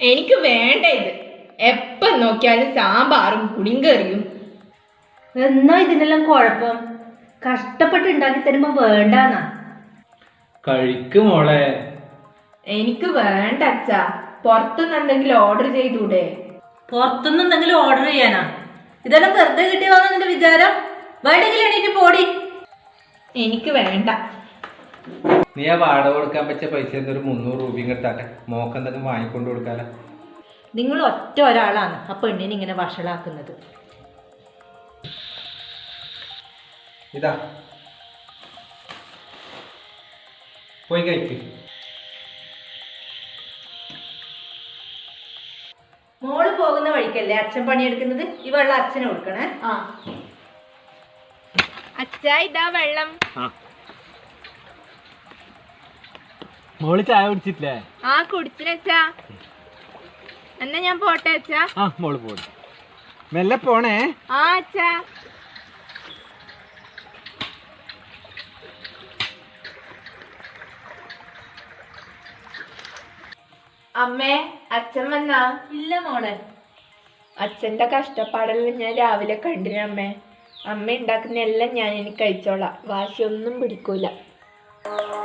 എനിക്ക് വേണ്ട ഇത്. എപ്പം നോക്കിയാലും സാമ്പാറും പുളിങ്കറിയും. എന്നാ ഇതിനെല്ലാം കുഴപ്പം? കഷ്ടപ്പെട്ട് ഉണ്ടാക്കി തരുമ്പോ വേണ്ടാന്നാ. കഴിക്കും മോളെ. എനിക്ക് വേണ്ട അച്ഛാ. പുറത്തുനിന്ന് എന്തെങ്കിലും ഓർഡർ ചെയ്തൂടെ? പുറത്തുനിന്ന് എന്തെങ്കിലും ഓർഡർ ചെയ്യാനാ? ഇതെല്ലാം വെറുതെ കിട്ടിയതാണെന്ന് നിന്റെ വിചാരം? വേണ്ടെങ്കിലും എണീറ്റ് പോടി. എനിക്ക് വേണ്ട. നീ ആ വാടക കൊടുക്കാൻ പറ്റിയ പൈസ ഒരു 300 രൂപയും കിട്ടാട്ടെ. മോക്ക് എന്തെങ്കിലും വാങ്ങിക്കൊണ്ട് കൊടുക്കാലോ. നിങ്ങൾ ഒറ്റ ഒരാളാണ് ആ പെണ്ണിനെ ഇങ്ങനെ വഷളാക്കുന്നത്. ഇതാ പോയി കഴിക്ക്. മോള് പോകുന്ന വഴിക്കല്ലേ അച്ഛൻ പണിയെടുക്കുന്നത്? ഈ വെള്ളം അച്ഛന് കൊടുക്കണേ. അച്ഛാ ഇതാ വെള്ളം. മോള് ചായ കുടിച്ചിട്ടില്ലേ? കുടിച്ചിനച്ചാ. എന്നാ ഞാൻ പോട്ടെ അച്ഛാ. മോള് പോട്ടെ. മെല്ലെ പോണേ. അച്ഛാ. അമ്മേ, അച്ഛൻ വന്നാ? ഇല്ല മോളെ. അച്ഛന്റെ കഷ്ടപ്പാടെല്ലാം ഞാൻ രാവിലെ കണ്ടിനമ്മേ. അമ്മ ഉണ്ടാക്കുന്ന എല്ലാം ഞാൻ എനിക്ക് കഴിച്ചോളാം. വാശിയൊന്നും പിടിക്കൂല.